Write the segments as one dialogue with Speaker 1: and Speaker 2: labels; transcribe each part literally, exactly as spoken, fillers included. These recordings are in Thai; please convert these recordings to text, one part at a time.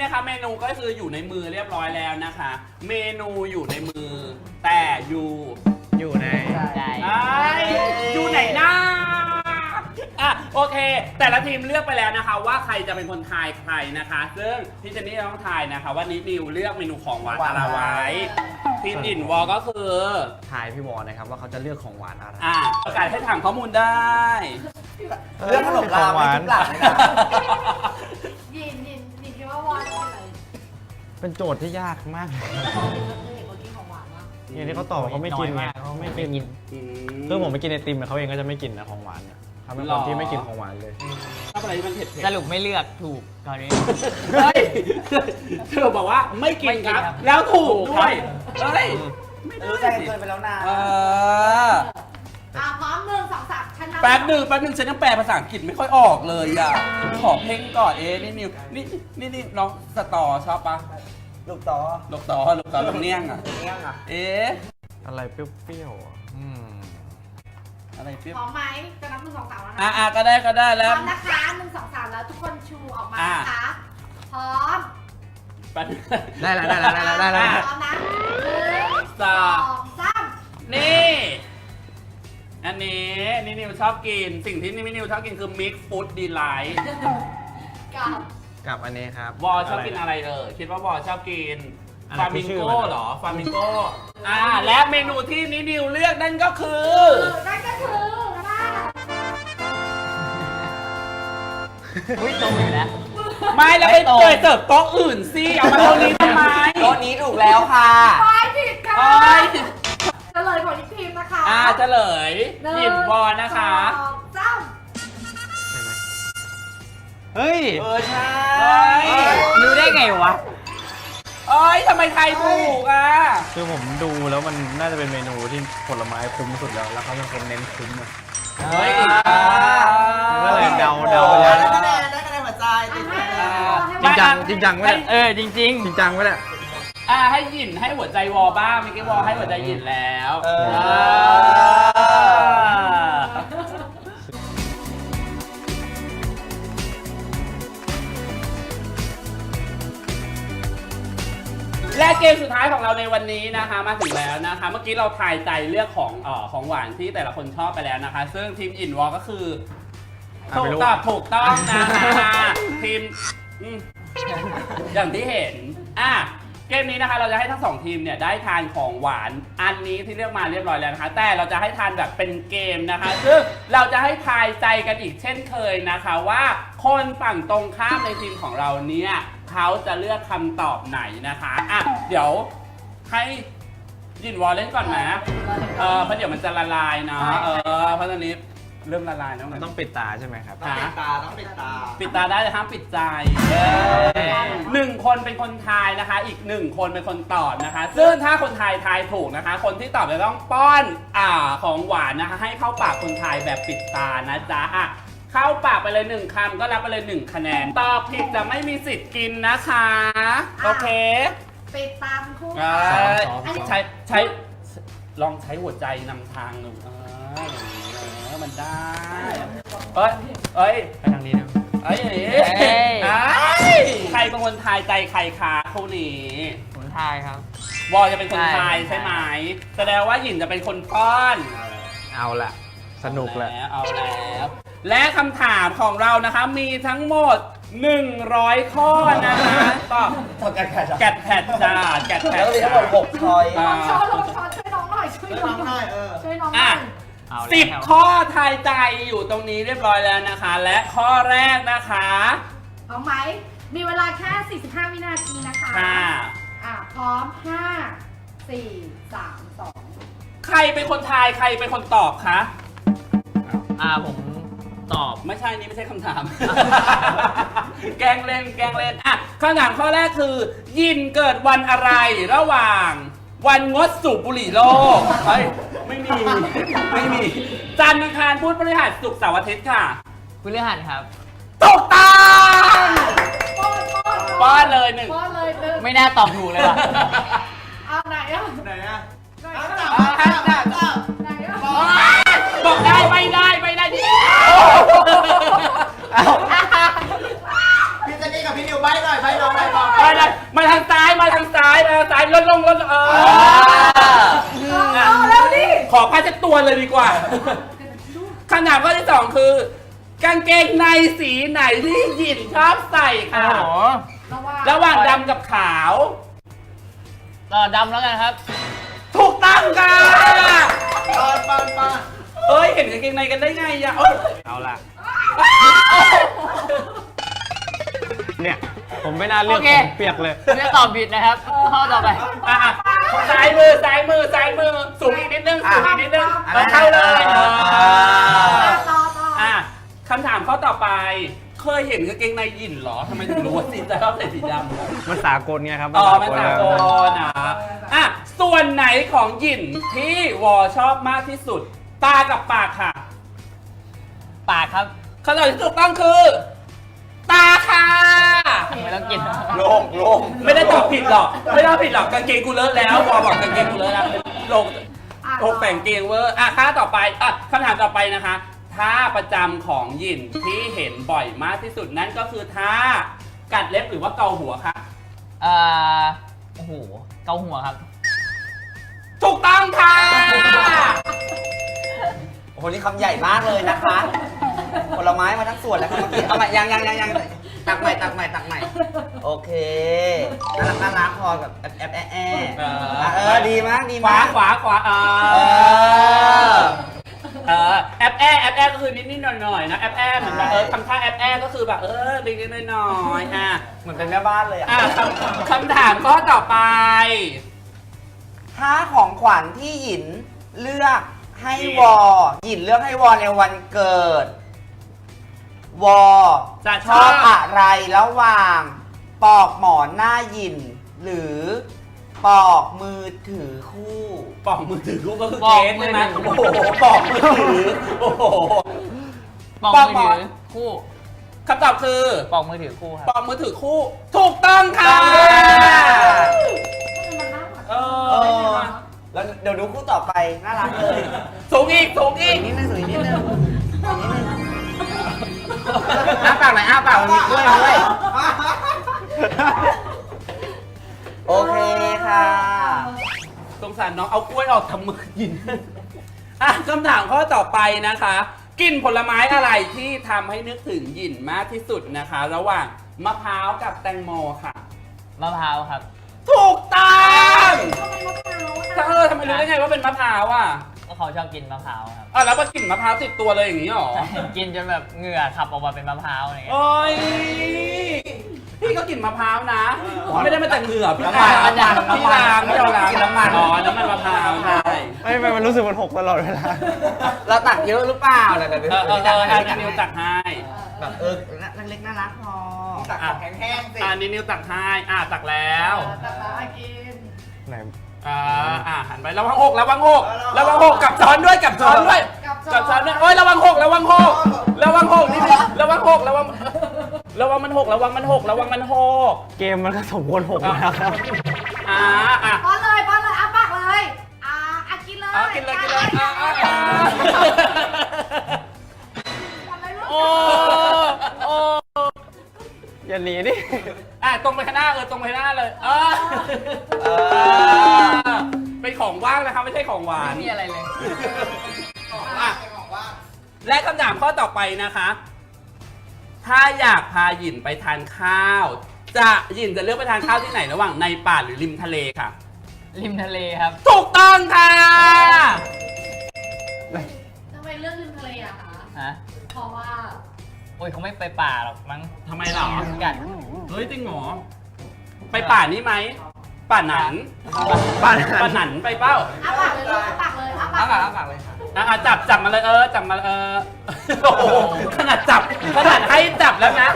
Speaker 1: นะคะเมนูก็คืออยู่ในมือเรียบร้อยแล้วนะคะ เมนูอยู่ในมือแต่อยู่
Speaker 2: อยู่ใน
Speaker 3: ใจ
Speaker 1: อยู่ไหนนะอ่ะโอเค แต่ละทีมเลือกไปแล้วนะคะว่าใครจะเป็นคนทายใครนะคะ ซึ่งพี่เจนนี่ต้องทายนะคะว่านิดนิวเลือกเมนูของหวานอะไรไว้ทีมอินวอลก็คือ
Speaker 2: ทายพี่วอลนะครับว่าเขาจะเลือกของหวานอะไร
Speaker 1: อ่ะประกาศให้ถามข้อมูลได้
Speaker 4: เรื่องขนมลาไม่ทุกหลักเลยนะ
Speaker 5: ยินยินยินคิดว่าวอนเป็นอะไร
Speaker 2: เป็นโจทย์ที่ยากมากเลยอย่างที่เขาตอบเขาไม่กินไงเขาไม่กินคือผมไม่กินไอติมเขาเองก็จะไม่กินนะของหวานเนี่ยเขาเป็นคนที่ไม่กินของหวานเลย
Speaker 1: ถ้าอะไรที่มันเผ็ด
Speaker 3: สรุปไม่เลือกถูกตอนนี้
Speaker 1: เฮ้ยเธอบอกว่าไม่กินครับแล้วถูกด้วยเฮ้ย
Speaker 4: รู้ใจกันเกินไปแล้วนะ
Speaker 1: เออ
Speaker 5: อ่ะพร้อมหนึ่งสองสามฉันนับ
Speaker 1: แป๊บหนึ่งแป๊บหนึ่งฉันยังแปลภาษาอังกฤษไม่ค่อยออกเลยอ่ะขอเพ่งก่อนเอ๊นี่นิวนี่นี่นี่น้องสตอชอบปะ
Speaker 4: ลูกต่อ
Speaker 1: ลูกต่อลูกต่อลูกเนี้ยงอ่ะ
Speaker 4: เนี้ยงอ่ะ
Speaker 1: เอ๊ะ
Speaker 2: อะไรเปรี้ยวๆอืม
Speaker 1: อะไรเปรี้ยว
Speaker 5: พร้อมไหมจะนับหนึ่งสองสามแล้วนะ
Speaker 1: อ่ะก็ได้ก็ได้
Speaker 5: พ
Speaker 1: แล้ว
Speaker 5: ร้อมนะคะหนึ่งสองสามแล้วทุกคนชูออกมานะคะพร้อม
Speaker 2: ได้แล้วได้แล้วได้แล้วได้แล้ว
Speaker 5: พร้อมนะหนึ่งสองสาม
Speaker 1: นี่อันนี้นี่นิวชอบกินสิ่งที่นี่นิวชอบกินคือ Mix Food Delight
Speaker 5: กับ
Speaker 2: กับอันนี้ครับ
Speaker 1: วอชอบกินอะไรเออคิดว่าวอชอบกินฟามิงโก้เหรอฟามิงโก้อ่าและเมนูที่นินิวเลือกนั่นก็คือ
Speaker 5: นั่นก็คือนะ
Speaker 3: อุ้ยตรงอยู่แล้ว
Speaker 1: ไม่แล้วไปเปิดเสิร์ฟโต๊ะอื่นสิเอามาโต๊ะนี้ทำไม
Speaker 4: โต๊ะนี้ถูกแล้วค่ะ
Speaker 5: ไม่ผิดค่ะเฉลยของอีกทีมนะคะ
Speaker 1: อ่าเฉลยหยิบวอนะคะ
Speaker 5: จ้า
Speaker 2: เฮ้ย
Speaker 4: เออใช่
Speaker 3: รู้ได้ไงวะ
Speaker 1: เอ้ยทำไมไทยถูกอ่ะ
Speaker 2: คือผมดูแล้วมันน่าจะเป็นเมนูที่ผลไม้คุ้มสุดแล้วแล้วเขาเป็นคนเน้นคุ้มเลย
Speaker 1: เฮ้ย
Speaker 2: ก็เลยเดาเดา
Speaker 4: ได้คะแนนได้คะแนนหัวใจ
Speaker 2: จริงจังจริงจังไว้
Speaker 3: เออจริงจริง
Speaker 2: จริงจังไว้แหละ
Speaker 1: อ่าให้หยินให้หัวใจวอบ้างเมื่อกี้วอให้หัวใจหยินแล้วและเกมสุดท้ายของเราในวันนี้นะคะมาถึงแล้วนะคะเมื่อกี้เราทายใจเลือกของเอ่อของหวานที่แต่ละคนชอบไปแล้วนะคะซึ่งทีมอินวอลก็คือถูกตอบถูกต้องนะคะทีมอย่างที่เห็นอ่ะเกมนี้นะคะเราจะให้ทั้งสองทีมเนี่ยได้ทานของหวานอันนี้ที่เลือกมาเรียบร้อยแล้วนะคะแต่เราจะให้ทานแบบเป็นเกมนะคะซึ่งเราจะให้ทายใจกันอีกเช่นเคยนะคะว่าคนฝั่งตรงข้ามในทีมของเราเนี่ยเขาจะเลือกคำตอบไหนนะคะอ่ะเดี๋ยวให้ยินวอลเล่นก่อนนะเออเพราะเดี๋ยวมันจะละลายเนาะเออเพราะตอนนี้เริ่มละลายแล้ว
Speaker 2: มันต้องปิดตาใช่ไหมครับ
Speaker 4: ต้องปิดตาต้องปิดตา
Speaker 1: ปิดตาได้แต่ห้ามปิดใจหนึ่งคนเป็นคนทายนะคะอีกหนึ่งคนเป็นคนตอบนะคะซึ่งถ้าคนทายทายถูกนะคะคนที่ตอบจะต้องป้อนอ่าของหวานนะคะให้เข้าปากคนทายแบบปิดตานะจ๊ะอ่ะเข้าปากไปเลยหนึ่งคำก็รับไปเลยหนึ่งคะแนนตอบผิดจะไม่มีสิทธิ์กินนะคะโอเค
Speaker 5: ปิดตาทั้งคู่
Speaker 1: ใช้ใช้ลองใช้หัวใจนำทางหนึ่งเออมันได้เอ้ยเอ้ย
Speaker 2: ไปทางนี้นะ
Speaker 1: เอ้ยใครเป็นคนทายใจใครคะคู่นี้
Speaker 3: ผมทายครับ
Speaker 1: วอลจะเป็นคนทายใช่ไหมแสดงว่าหยินจะเป็นคนป้อน
Speaker 2: เอาละสนุกแหละ
Speaker 1: เอาแล้วและคำถามของเรานะคะมีทั้งหมดหนึ่งร้อยข้อนะคะ
Speaker 4: ก็แกะแผด
Speaker 1: แกะแผดจ้าแกะแผด
Speaker 4: แล้วมีทั้งหมดหกช้อย
Speaker 5: ลองช้อนลองช้อนช่วยน้องหน่อยช่วยน้องหน่อยช่วยน้องหน่อย
Speaker 1: สิบข้อทายใจอยู่ตรงนี้เรียบร้อยแล้วนะคะและข้อแรกนะคะ
Speaker 5: พร้อมไหมมีเวลาแค่สี่สิบห้าวินาทีนะคะ
Speaker 1: ค่ะ
Speaker 5: อ่ะพร้อมห้า สี่ สาม สอง
Speaker 1: ใครเป็นคนทายใครเป็นคนตอบคะ
Speaker 3: อ่าผมตอบ
Speaker 1: ไม่ใช่นี่ไม่ใช่คำถาม แกล้งเล่นแกล้งเล่นอ่ะคำถามข้อแรกคือยินเกิดวันอะไรระหว่างวันงดสูบบุหรี่โลกเฮ้ยไม่มีไม่มีจันทร์อังคารพุธพฤหัสศุกร์เสาร์อาทิตย์ค่ะ
Speaker 3: พฤหัสครับ
Speaker 1: ถูกต้อง
Speaker 5: ป้อน
Speaker 1: ป้อนเลยหนึ่ง
Speaker 5: ป้อนเลยหนึ่ง
Speaker 3: ไม่น่าตอบถูกเลยว่ะ
Speaker 5: เอาไหนอ่ะ
Speaker 4: ไหนอ่ะ
Speaker 5: เอาจับเอาจับจับไหนอ่ะ
Speaker 1: บอกได้ไม่ได้ไม่ได้ดิ
Speaker 4: พี่เจนนี่กับพี่นิวใบ้หน่อยใบ้น้องใบ้น้อง
Speaker 1: ใบ้ดลงลดเออ
Speaker 5: เอาเร็วดิ
Speaker 1: ขอผ้าเช็ดตัวเลยดีกว่าคำถามข้อที่สองคือ กางเกงในสีไหนที่หยินชอบใส่
Speaker 3: โอ้
Speaker 1: ค่ะ
Speaker 3: โห
Speaker 5: ระหว่าง
Speaker 1: ระหว่างดำกับขาว
Speaker 3: ต่อดำแล้วกันครับ
Speaker 1: ถูกต้องค่ะ
Speaker 4: ปอนปอนปอน
Speaker 1: เอ้ย เห็นกางเกงในกันได้ไงอ่ะเอ้ย
Speaker 2: เอาละเนี่ย ผมไม่น่าเลือก
Speaker 3: โอเค
Speaker 2: ผมเปียกเลย
Speaker 3: ผมจะตอบผิดนะครับข้อต่อไป
Speaker 1: อ่ะอ่ะซ้ายมือซ้ายมือซ้ายมือสูงอีกนิดนึงสูงอีกนิดนึงเออเข้าเลยเออ
Speaker 5: ต่อต่อ
Speaker 1: อ่ะคำถามข้อต่อไป เคยเห็นกางเกงในหยินเหรอทำไมถึงรู้ว่าสีจะชอบใส่สีดำ
Speaker 2: มันสากลไงครับ
Speaker 1: อ๋อมันสากล
Speaker 2: แล้ว
Speaker 1: นะอ่ะส่วนไหนของหยินที่วอชอบมากที่สุด ตากับปากค่ะ
Speaker 3: ปากครับ
Speaker 1: คำตอบที่ถูกต้องคือ ตาค่ะ
Speaker 3: ไม่ต้องกิน
Speaker 4: โล่งโล่ง
Speaker 1: ไม่ได้ตอบผิดหรอก ไม่ได้ตอบผิดหรอกกางเกงกูเลอะแล้ววอบอกกางเกงกูเลอะแล้วลง
Speaker 5: อ่ะ
Speaker 1: ลงแต่งเกงเวอร์อ่ะค่าต่อไปอ่ะคำถามต่อไปนะคะท่าประจำของหยินที่เห็นบ่อยมากที่สุดนั่นก็คือท่ากัดเล็บหรือว่าเกาหัวค่ะ
Speaker 3: อ่าโอ้โห เกาหัวครับ
Speaker 1: ถูกต้องค่ะ
Speaker 4: โอ้โหนี่คำใหญ่มากเลยนะคะผลไม้มาทั้งส่วนแล้วครับเมื่อกี้เอาใหม่ยังยังยังยังตักใหม่ตักใหม่ตักใหม่โอเคน่ารักน่ารักพอแบบแอบแอบแอะแอะ
Speaker 1: เออ
Speaker 4: อ่ะเออดีมากดี
Speaker 1: ขวาม
Speaker 4: าก
Speaker 1: ขวาขวาอ่า
Speaker 4: เออ
Speaker 1: เออแอปแอแอปแอก็คือนิดนิดหน่อยหน่อยๆนะแอปแอเหมือนแบบเออทำท่าแอปแอก็คือแบบเออนิดนิดหน่อยหน่อยๆอ่ะ
Speaker 4: เหมือนเป็นแม่บ้านเลยอ่ะ
Speaker 1: อ่ะคำคำถามข้อต่อไป
Speaker 4: ถ้าของขวัญที่หยินเลือกให้วอหยินเลือกให้วอในวันเกิด วอ
Speaker 1: จะช
Speaker 4: ช
Speaker 1: อ
Speaker 4: อบบ อะไรระหว่างปอกหมอนหน้าหยิน หรือปอกมือถือคู่
Speaker 1: ปอกมือถือกูก็คือ
Speaker 3: ปอก
Speaker 1: เกสใช่ไหม
Speaker 3: มื
Speaker 1: โอ้
Speaker 3: อ
Speaker 1: โห
Speaker 3: ถือ
Speaker 1: ปอกมือถือโอ้โห
Speaker 3: ปอก
Speaker 1: ปอก
Speaker 3: มือ
Speaker 1: หมอ
Speaker 3: ถื
Speaker 1: น
Speaker 3: อคู่
Speaker 1: คำตอบคือ
Speaker 3: ปอกมือถือคู่ครับ
Speaker 1: ปอกมือถือคู่ ถูกต้องค่ะเอ
Speaker 4: เอ
Speaker 1: อ
Speaker 4: อ แล้วเดี๋ยวดูคู่ต่อไป น่ารักเลย
Speaker 1: สูงอีกสูงอี
Speaker 4: อี
Speaker 1: ก
Speaker 4: กนิดนึงอีกนิดนึงอีกนิดนึงอ้าปากหน่อยอ้าปากมันมีกล้วยด้วยโอเคค่ะ
Speaker 1: สงสารน้องเอากล้วยออกทำมือกินอ่ะคำถามข้อต่อไปนะคะกลิ่นผลไม้อะไรที่ทำให้นึกถึงหยินมากที่สุดนะคะ ระหว่างมะพร้าวกับแตงโมค่ะ
Speaker 3: มะพร้าวครับ
Speaker 1: ถูกต้อง
Speaker 5: ทำไมมะพร้าว
Speaker 1: เออทำไมรู้ได้ไงว่าเป็นมะพร้าวอ่ะ
Speaker 3: ก็เขาชอบกินมะพร้าวครับ
Speaker 1: อ่ะแล้วมากลิ่นมะพร้าวติดตัวเลยอย่างนี้หรอ
Speaker 3: กินจนแบบเหงื่อขับออกมาเป็นมะพร้าวอะไรเงี้ย
Speaker 1: โอ้ยพี่ก็กลิ่นมะพร้าวนะไม่ได้มาแต่เหงื่อพี่
Speaker 4: น้ำมัน
Speaker 1: ล้าง
Speaker 4: น้ำมัน
Speaker 1: พี่ล้างไม่เอาล้าง
Speaker 4: น้ำมัน
Speaker 1: อ๋อน้ำมันมะพร้าวใช่
Speaker 2: ไม่ไม่มันรู้สึกมันหกตลอดเวลา
Speaker 4: เราตักเยอะหรือเปล่าเดี๋ยวเดี๋ยว
Speaker 1: เออเออเอออันนี้นิวตักให้
Speaker 4: แบบเออเล็กๆน่ารักพอตักของแห้งๆสิ
Speaker 1: อันนี้นิวตักให้อ่ะตักแล้ว
Speaker 5: แต่ละอากิน
Speaker 2: ไหน
Speaker 1: อ่าอ่ะหันไประวังหกระวังหกระวังหกกับช้อนด้วยกับช้อนด้วย
Speaker 5: กับ
Speaker 1: กับช้อนด้วยโอ้ยระวังหกระวังหกระวังหกนี่ระวังหกระวังระวังมันหกระวังมันหกระวังมันหก
Speaker 2: เกมมันก็สมควรหกแล้วครับ
Speaker 1: อ่าอ่ะ
Speaker 5: ป้อนเลยป้อนเลยอ้าปากเลยอ่าอากินเลย
Speaker 1: เอากินเลยกินเลยอ่ะอ่ะอ่ะ
Speaker 5: ป้อนเลยลูก
Speaker 1: โอ้โอ้
Speaker 2: อย่าหนีดิ
Speaker 1: อ่ะตรงไปข้างหน้าเออตรงไปข้างหน้าเลยเออ
Speaker 4: เออ
Speaker 1: เป็นของว่างนะครับไม่ใช่ของหวาน
Speaker 3: ไม่มีอะไรเลย
Speaker 1: อ่ะและคำถามข้อต่อไปนะคะ ถ้าอยากพาหยินไปทานข้าว จะหยินจะเลือกไปทานข้าวที่ไหนระหว่างในป่าหรือริมทะเลค่ะ
Speaker 3: ริมทะเลครับ
Speaker 1: ถูกต้องค่ะ
Speaker 5: ทำไมเลือกริมทะเลอะคะ
Speaker 3: ฮะ
Speaker 5: เพราะว่า
Speaker 3: โอ้ยเขาไม่ไปป่าหรอกมั้ง
Speaker 1: ทำไมหรอ
Speaker 3: กัน
Speaker 1: เฮ้ยจริงเหรอไปป่านี้ไหมป่าหนัน
Speaker 2: บ้าน
Speaker 1: ป่าหนันไปเป้า
Speaker 5: อ้าปากเลยลูกอ้าปากเลยอ้าปา
Speaker 4: อ้าก ปากอ้าปากเลยค่ะ
Speaker 1: อ่ะอ่ะจับจับมาเลยเออจับมาเออโอ้โหขนาดจับขนาดให้จับแล้วนะ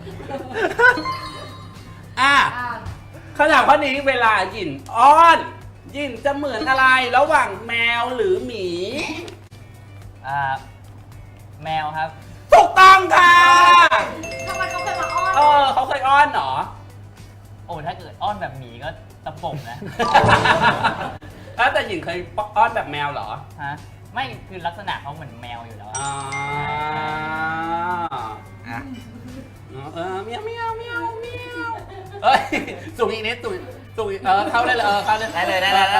Speaker 1: อ่ะ
Speaker 5: อ่า
Speaker 1: คำถามข้อนี้เวลาหยินอ้อนหยินจะเหมือนอะไรระหว่างแมวหรือหมี
Speaker 3: อ่า แมวครับ
Speaker 1: ถูกต้องค่ะ
Speaker 5: ทำไมเขาเคยมาอ้อน
Speaker 1: เออเขาเคยอ้อนเหรอ
Speaker 3: โอ้ถ้าเกิดอ้อนแบบหมีก็ตะปบนะ
Speaker 1: แล้วแต่หญิงเคยอ้อนแบบแมวเหรอ
Speaker 3: ฮะ ไม่คือลักษณะเขาเหมือนแมวอยู่แล้วอะ
Speaker 1: อ่า
Speaker 4: อ่ะ
Speaker 1: เออเมียวเมียวเมียวเมียวเอ้ยสูงอีกนิดสูงสุกเออเข้าได้เลยเออเข้าได้
Speaker 4: ได้เลยได้เลยได้เลย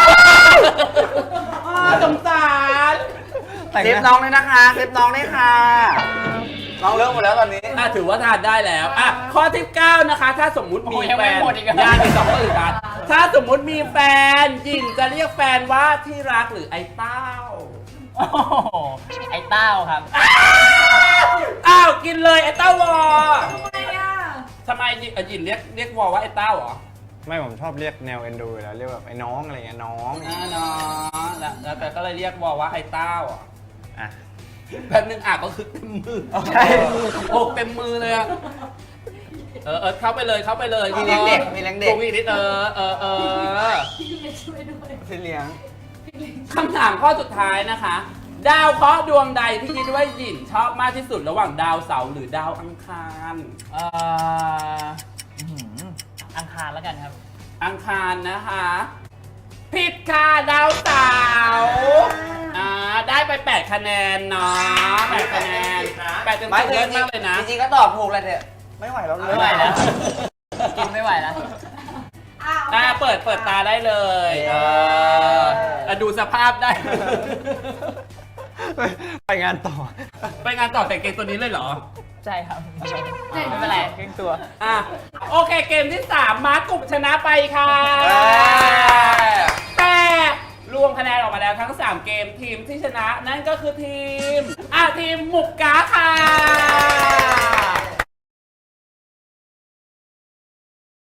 Speaker 1: อ้าวสงสาร
Speaker 2: แต่ง
Speaker 4: เซฟ
Speaker 2: ห
Speaker 4: น้
Speaker 2: น้า
Speaker 4: องเลยนะคะเซฟน้องด้วยค่ะน้องเลิกหมดแล้วตอนนี้
Speaker 1: อ่ะถือว่าทานได้แล้วอ่ะข้อที่เก้านะคะ ถ้าสมมุติมี
Speaker 3: โอ้ยยัง
Speaker 1: แฟ
Speaker 3: ไม่
Speaker 1: น
Speaker 3: หมดอีกเหรอ
Speaker 1: ยาที่สองก็อื่นกันถ้าสมมุติมีแฟนหญิงจะเรียกแฟนว่าที่รักหรือไอ้เต้า
Speaker 3: โอ้โหไอ้เต้าครับ
Speaker 1: อ้าวกินเลยไอ้เต้าวอ
Speaker 5: ทำไมอ่ะ
Speaker 1: ทำไมหญิงเอ่อหญิงเรียกเรียกวอว่าไอ้เต้าเหรอ
Speaker 2: ไม่ผมชอบเรียกแนวเอ็นดูอยู่แล้วเรียกแบบไอ้น้องอะไรเงี้ยน้อง
Speaker 1: อ่าเนาะแล้วแล้วแต่ก็เลยเรียกวอว่าไอ้เต้าเหรอ
Speaker 2: อ่ะ
Speaker 1: แป๊บนึงอ่ะก็คือเต็มมือ
Speaker 2: ใช่
Speaker 1: โอ้เต็มมือเลยอะเออเออเข้าไปเลยเข้าไปเลย
Speaker 4: มีเลี้ยงเด็กมีเลี้ยงเด็ก
Speaker 1: ตัวมีนิดเออเออเออ
Speaker 5: พี่เล็กช่วยด้วย
Speaker 4: พี่เลี้ยง
Speaker 1: คำถามข้อสุดท้ายนะคะ ดาวเคราะห์ดวงใดที่คิดว่าหยินชอบมากที่สุดระหว่างดาวเสาร์หรือดาวอังคาร
Speaker 3: เอ่ออื้อหืออังคารแล้วกันครับ
Speaker 1: อังคารนะคะผิดค่ะดาวเสาร์อ่าได้ไปแปดคะแนนเนาะแปดคะแนนแปดเต็ม
Speaker 4: ไม่
Speaker 1: สิบ
Speaker 4: จ
Speaker 1: เยอะมากเลยนะ
Speaker 4: ริงๆก็ตอบถูกเลยเนี่ยไม่ไหวแล้วเลย
Speaker 3: ไม่ไหวแล้ว กินไม่ไหวแล้ว
Speaker 5: อ้าว
Speaker 1: อ่าเปิดเปิดตาได้เลยเอออ่ะดูสภาพได้
Speaker 2: ไปงานต่อ
Speaker 1: ไปงานต่อแต่เกมตัวนี้เลยเหรอ
Speaker 3: ใช่ครับ ไม่เป็นไรครึ่งตัว
Speaker 1: อ่ะโอเคเกมที่สามมาร์คกลุ่มชนะไปค่ะ
Speaker 4: เอ้ย
Speaker 1: แต่รวมคะแนนออกมาแล้วทั้งสามเกมทีมที่ชนะนั่นก็คือทีมอ่ะทีมหมุกกาค่ะ